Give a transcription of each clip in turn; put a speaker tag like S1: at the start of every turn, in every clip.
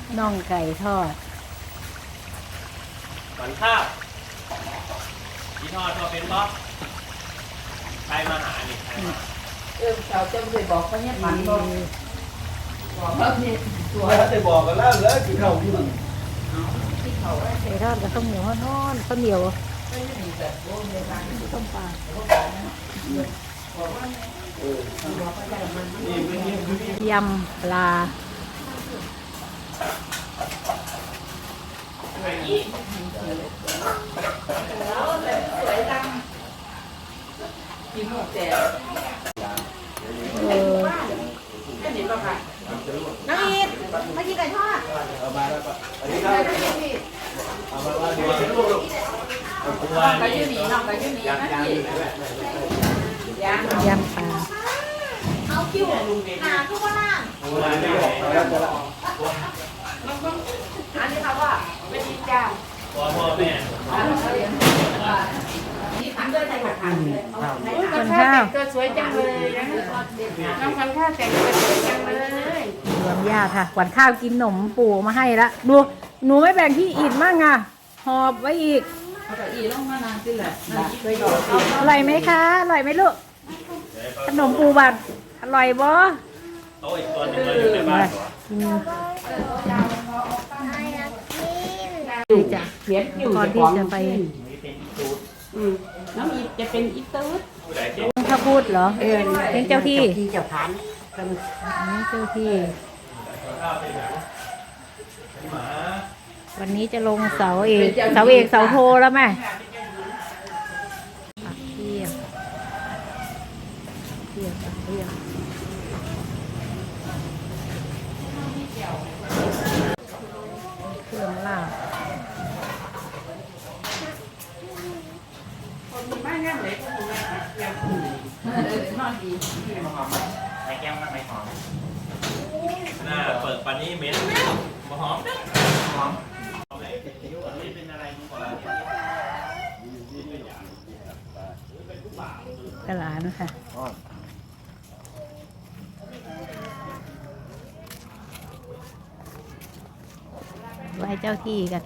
S1: น่องไก่ทอด
S2: ก่อนข้าวกินทอดเป็นบ๊อบใครมาหานี่ใครมา
S3: เขาจะไปบอกเขาเนี่ยมันบอกแล้วนี่ตัว
S4: จะบอกกันแล้วเลยกินข้าวที่มัน
S1: ไก่ทอดกับข้าวเหนียวทอดข้าวเหนียวต้มปลายำปลา
S3: กินหมดแต่
S1: น้องอีทมากินไก่ทอด
S4: เอามาแล้วก็อันนี้ข้าวเอามาว่าเดี๋ยวลูก
S3: น้องไปยืนหนีน้องไปยืนหนีนะพี่
S1: ยำปลา
S3: เอาคิวหนาทุกคนล่างอันนี้เขาว่าไม่ดีจ้า
S2: พ่อแม่
S3: ที่ขันด้วยใจหมักขัน
S1: คนข้าว
S3: ตัวสวยจังเลยนะน้องคนข้าวแต่งตัวสวยจังเลย
S1: รวมญาติค่ะขวัญข้าวกินหนมปู่มาให้ละดูหนูไม่แบ่งพี่อีดมั่งอ่ะหอบไว้อีก
S3: เอาแต่อีลงมานานสิแหละ
S1: อร่อยไหมคะอร่อยไหมลูกขนมปูบัดอร่อยบ่
S2: โต๊ะอีกตัวนึงเลยอยู่ในบ้าน
S1: ดูจ้ะก่อนที่จะไป
S3: น้องอีจะเป็นอีตืด
S1: ถ้าพูดเหรอเป็นเจ้าที่
S3: เจ้าพัน
S1: เจ้าที่วันนี้จะลงเสาเอกเสาโทแล้วไหมปักเทียบเครื่องลาบ
S3: บ้านยังไหนก็คงยังนอนดี
S2: ไม่หอมไม่แก้มไม่หอมหน้าเปิดปันนี้เหม็นมาหอมเป็นอะไรก่อน
S1: กระหลานค่ะไหว้เจ้าที่กัน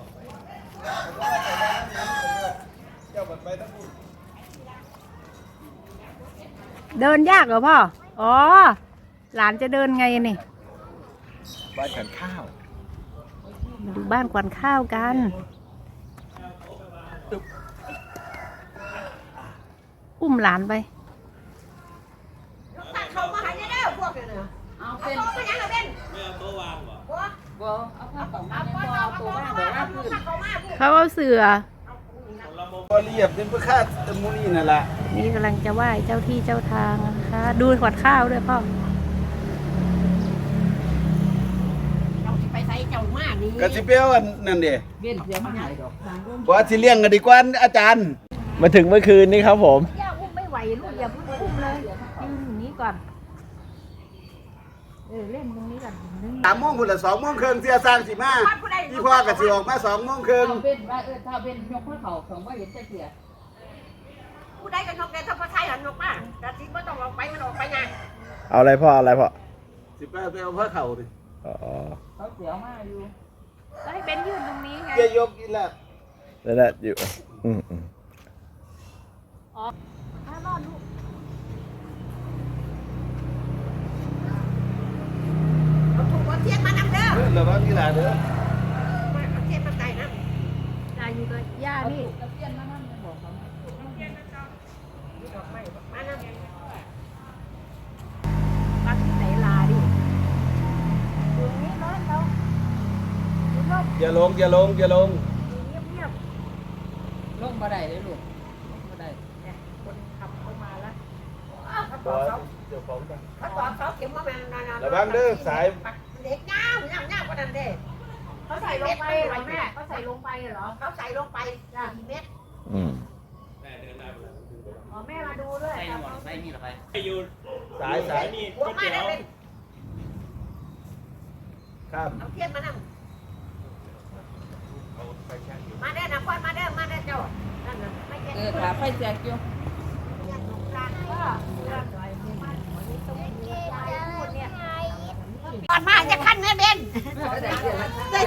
S1: เดินยากเหรอพ่ออ๋อหลานจะเดินไงนี่
S4: บ้านขวัญข้าว
S1: ดูบ้านขวัญข้าวกันอุ้มหลานไป
S3: เขามาหายได้พวกเนี้ยเอาเป็นเอาเป็นยังไงเป็น
S2: ไม่เอาโต๊ะวางหรอ
S3: เอาผ้าของมาเอาตัวบ้านเดี๋ยวว่าคือ
S1: เขาเอาเสือ
S4: พอเรียบเป็นพระคาตตะมูนี่นั่นแหละ
S1: นี่กำลังจะไหว้เจ้าที่เจ้าทางนะคะดูขวัญข้าวด้วยพ่อ
S3: ไปใส่เจ้ามากนี่
S4: กระสิเปียวนั่นดิ
S3: เบี้ยเสียมาไหนดอก
S4: ว่าสิเลี้ยงกันดีกว่าอาจารย์มาถึงเมื่อคืนนี้ครับผม
S1: ย่าอุ้มไม่ไหวลูกอย่าเพิ่งอุ้มเลยยืนอย่างนี้ก่อนเล่นตรงนี้ก่อน
S4: 3 โมงพุ่นละ2 โมงครึ่งเสียสร้างสิมาพี่พ่อก็สิออกมา2 โมงครึ่ง
S3: เป็นว่าถ้าเป็นยกข้อเข่าของว่าเห็นจะเสีย
S5: ผู้ใดก็นกแต่ถ้าพ่อไทยหันนกมาแต่ทิ้งไม่ต้องออกไปมันออกไปไง
S4: เอาอะไรพ่อสิไปเอาพระเข่าดิ
S3: เขาเสียวมากอยู่
S1: แล้วให้เป็นยืนตรงนี้ไง
S4: เกี่ยยกอีแล้ว
S6: นั่นแหละอยู่
S1: อ๋อถ้านอนลูก
S5: เอาถูกเอาเทียนมานำเด้อ
S4: ระวังกีฬาเด้อ
S5: เอาเทียนมาใส่นะ
S1: ตายอยู่กับย่านี่
S3: ตะเกียนมานั่งบอกเขา
S5: มานำ
S1: ปักที่ไหนลาดิอยู่นี้นอนเรา
S4: อย่าลง
S1: เงียบ
S3: ลงบ่ได้เลยลูกบ่ได้
S5: เนี่ยคนขับเข้ามาแล้วเขาตอดเสาเข็มมาแม่นาน
S4: ระวังเด้อสาย
S5: เด็กง่าวกว่านั้นเด้
S1: เขาใส่ลงไปเหรอแม่เขาใส่ลงไปเหรอ
S5: เขาใส่ลงไป4 เมตร
S1: อ๋อแม่มาดูด้วย
S3: ใส่มีหรอ
S2: ไปอยู่
S4: สาย
S2: นี่
S5: หัวมาได้เป็น
S4: ครับ
S5: เอาเทียนมานำมาได้นะพ่อมาได้เจ้านั่นน่ะไม่ใช่
S3: ขาไฟแจกอยู่
S5: ก่อนมาจะขั้นแม่เบนได้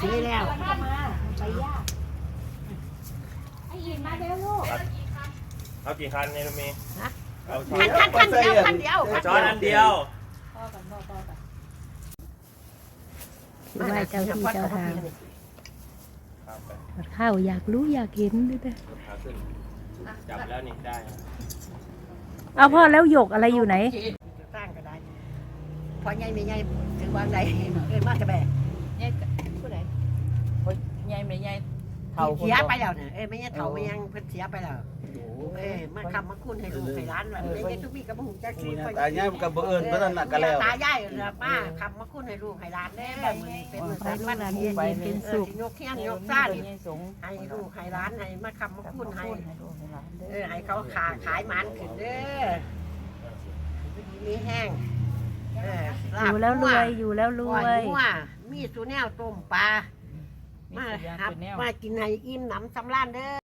S5: สีแล้ว
S1: ไปยากไอ้อินมาเร็วลูก
S2: เอากี่คันเนี่ยมีเอา
S5: คันเดียวคันเดียว
S2: จอดอันเดียว
S1: ไหว้เจ้าที่เจ้าทาง
S2: ครับไป
S1: ข้าวอยากรู้อยากเห็นด้วยนะ
S2: ขาขึ้นจับแล้วนี่ได้
S1: เอาพ่อแล้วหยกอะไรอยู่ไหน
S5: สร้างก็ได้พอใหญ่ไม่ใหญ่ถึงวางใดเอิ้นมากจะแบก
S3: ผู้ใดใหญ่ไม่ใหญ่
S5: เสียไปแล้วเนี่ยไม่ใช่เฒ่าไม่ยังเพิ่นเสียไปแล้วมาคำมาคุณให้ลูกให้ร้านไม่ใช่ทุกปีก็บ่ฮู้จักสิ
S4: ตายายมันก็บ่เอิ้นเพิ่นนั่นน่ะก็แล้ว
S5: ตายายมาคำมาคุณให้ลูกให้ร้านได้แบบนี้เป็น
S1: ไปลูกหลานเย็นๆเป็นสุข
S5: ยกเทียนยกซ่าน
S3: สง
S5: ให้ลูกให้ร้านให้มาคำมาคุณให้
S3: ให้ลูกให้หลานเด้อ
S5: ให้เขาขายมันขึ้นเด้อมีแห้ง
S1: อยู่แล้วรวยอยู่แล้วรวย
S5: มีสูแนวต้มปลามากินให้อิ่มหนำสำราญเด้อ